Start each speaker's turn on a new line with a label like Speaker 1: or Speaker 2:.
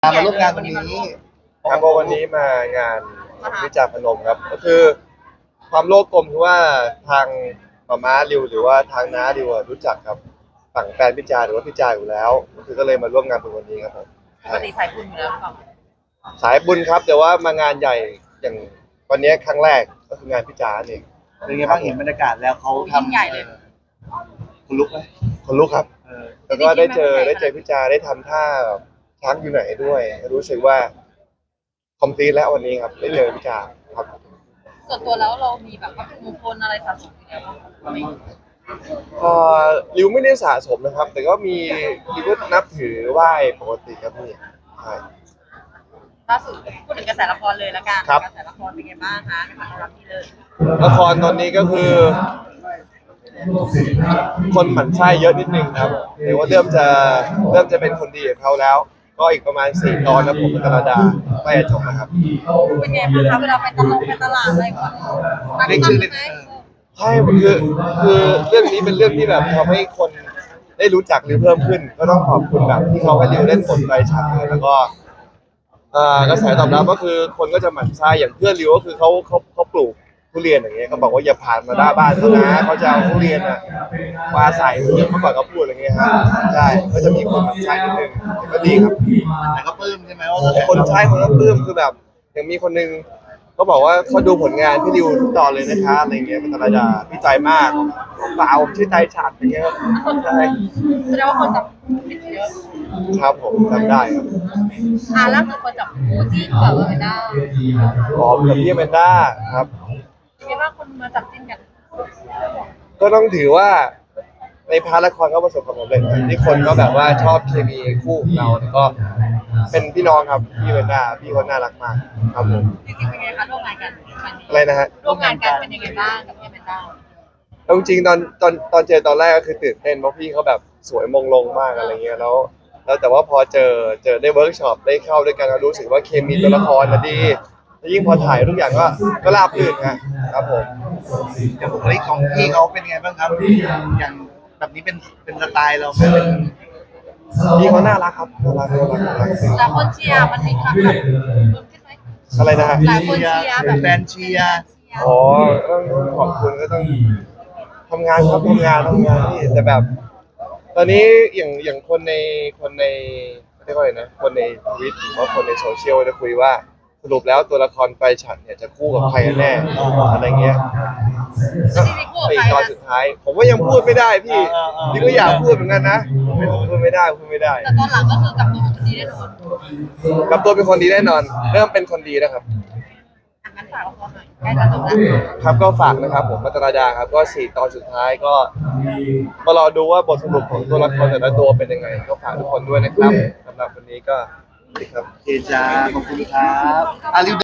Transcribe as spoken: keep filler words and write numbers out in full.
Speaker 1: มาร่วมงานวันนี้
Speaker 2: ครับก็วันนี้มางานวิจารณ์พนมครับก็คือความโลภกลมคือว่าทางมาม้าริวหรือว่าทางน้าริวอะรู้จักกับฝั่งแฟนพิจารหรือว่าพิจารอยู่แล้วก็คือก็เลยมาร่วมงานเป็นวันนี้ครับผม
Speaker 3: ปกติสายบุญอยู่แล้วหรือเปล่า
Speaker 2: สายบุญครับแต่ว่ามางานใหญ่อย่างวันนี้ครั้งแรกก็คืองานพิจารเอง
Speaker 1: เป็นไงบ้างเห็นบรรยากาศแล้วเขาทำ
Speaker 3: ใหญ่เลย
Speaker 1: คุณลุกไหม
Speaker 2: คนลุกครับแล้วก็ได้เจอได้เจอพิจารได้ทำท่าช้างอยู่ไหนด้วยรู้สึกว่าคอมพลีทแล้ววันนี้ครับได้เจอพิจารครับ
Speaker 3: ส่วนตัวแล้วเรามีแบบวัตถุมงคลอะไรสะสมอยู่แล้วบ้างไหม
Speaker 2: เอ่อริวไม่ได้สะสมนะครับแต่ก็มีริวก็นับถือไหว้ปกติครับพี่ใช่
Speaker 3: ล่าสุดพูดถึงกระแสละครเลยละกันกระแสละครเป็นไงบ้างคะในฐานะรับที่เลย
Speaker 2: ละครตอนนี้ก็คือคนหมั่นไส้เยอะนิดนึงครับแต่ว่าเริ่มจะเริ่มจะเป็นคนดีกับเขาแล้วก็อีกประมาณสี่ตอนนะผมกับกระดาใกล้จะจบนะครับ
Speaker 3: เป็นไงบ้างคะเวลาไปตลาดไปตลาดอะไรก่อน
Speaker 1: เรียกชื่อเลย
Speaker 2: ใช่คือคือเรื่องนี้เป็นเรื่องที่แบบทำให้คนได้รู้จักริวเพิ่มขึ้นก็ต้องขอบคุณแบบที่เขาให้ริวเล่นบทไปฉากเลยแล้วก็กระแสตอบรับก็คือคนก็จะหมั่นไส้อย่างเพื่อนริวก็คือเขาเขาเขาปลูกทุเรียนอย่างเงี้ยเขาบอกว่าอย่าผ่านมาหน้าบ้านเขานะเขาจะเอาทุเรียนอ่ะมาใส่เมื่อก่อนเขาพูดอะไรเงี้ยฮะใช่ก็จะมีคนหมั่นไส้นิดนึงก็ดีครับ
Speaker 1: แต่ก็ปลื้มใช่ไหมว่า
Speaker 2: คนใช้คนก็ปลื้มคือแบบอย่างมีคนนึงเขาบอกว่าเขาดูผลงานพี่ริวทุกตอนเลยนะคะอะไรเงี้ยเป็นธรรมดาพี่ใจมากเปล่าชื่อใจฉาดอย่างเงี้ยใช่
Speaker 3: แสดงว่าคนจับผิดเยอะ
Speaker 2: ครับผมจำได้ครับ
Speaker 3: อ่าล่าสุดคนจับคู่จิ้นกับเอเมนด้า
Speaker 2: อ๋อกับพี่เอเมนด้าครับ
Speaker 3: เป็นไงบ้างคนมาจับจิ้นกัน
Speaker 2: ก็ต้องถือว่าในพาร์ทละครก็ประสบความสำเร็จที่คนก็แบบว่าชอบเคมีคู่ของเราแล้วก็เป็นพี่น้องครับพี่เอเมนด้าพี่คนน่ารักมากครับผม
Speaker 3: จริงๆเป็นไงคะร่วมงานกัน
Speaker 2: อะไรนะฮะ
Speaker 3: ร่วมงานกันเป็นยังไงบ้างกับพี่เอเมนด้า
Speaker 2: เอาจริงๆตอนตอนตอนเจอตอนแรกก็คือตื่นเต้นเพราะพี่เขาแบบสวยมงลงมากอะไรเงี้ยแล้วแล้วแต่ว่าพอเจอเจอได้เวิร์กช็อปได้เข้าด้วยกันก็รู้สึกว่าเคมีตัวละครนะดีแล้วยิ่งพอถ่ายทุกอย่างก็ก็ราบรื่นครับผม
Speaker 1: อย่างบุคลิกของพี่เขาเป็นไงบ้างครับอย่างแบบนี้เป็นเป็นสไตล์เราไหมเป็น
Speaker 2: พี่เขาน่ารักครับน่ารักน่ารักน่ารัก
Speaker 3: หลายคนเชียร์มันมีความแบบเพิ่มขึ้นไหม
Speaker 2: อะไรนะฮะ
Speaker 3: หลายคนเชียร์แบบ
Speaker 1: แฟนเชียร์
Speaker 2: อ๋อต้องขอบคุณก็ต้องทำงานครับทำงานทำงานนี่แต่แบบตอนนี้อย่างอย่างคนในคนในเรียกว่าอะไรนะคนในทวิตหรือว่าคนในโซเชียลจะคุยว่าสรุปแล้วตัวละครไฟฉันเนี่ยจะคู่กับใครแน่อะไรเงี้ยสี่ตอนสุดท้ายผมก็ยังพูดไม่ได้พี่พี่ก็อยากพูดเหมือนกันนะพูดไม่ได้พูดไม่ได้
Speaker 3: แต่ตอนหลังก็คือกับตัวคนดีแน่นอน
Speaker 2: กับตัวเป็นคนดีแน่นอนเริ่มเป็นคนดีนะครับ
Speaker 3: งั้นฝากละครหน่อยใกล้จะจบแล้ว
Speaker 2: ครับก็ฝากนะครับผมมัตตราดาครับก็สี่ตอนสุดท้ายก็มารอดูว่าบทสรุปของตัวละครแต่ละตัวเป็นยังไงก็ฝากทุกคนด้วยนะครับสำหรับวันนี้ก็ดีครับ
Speaker 1: เจจาขอบคุณครับอาริว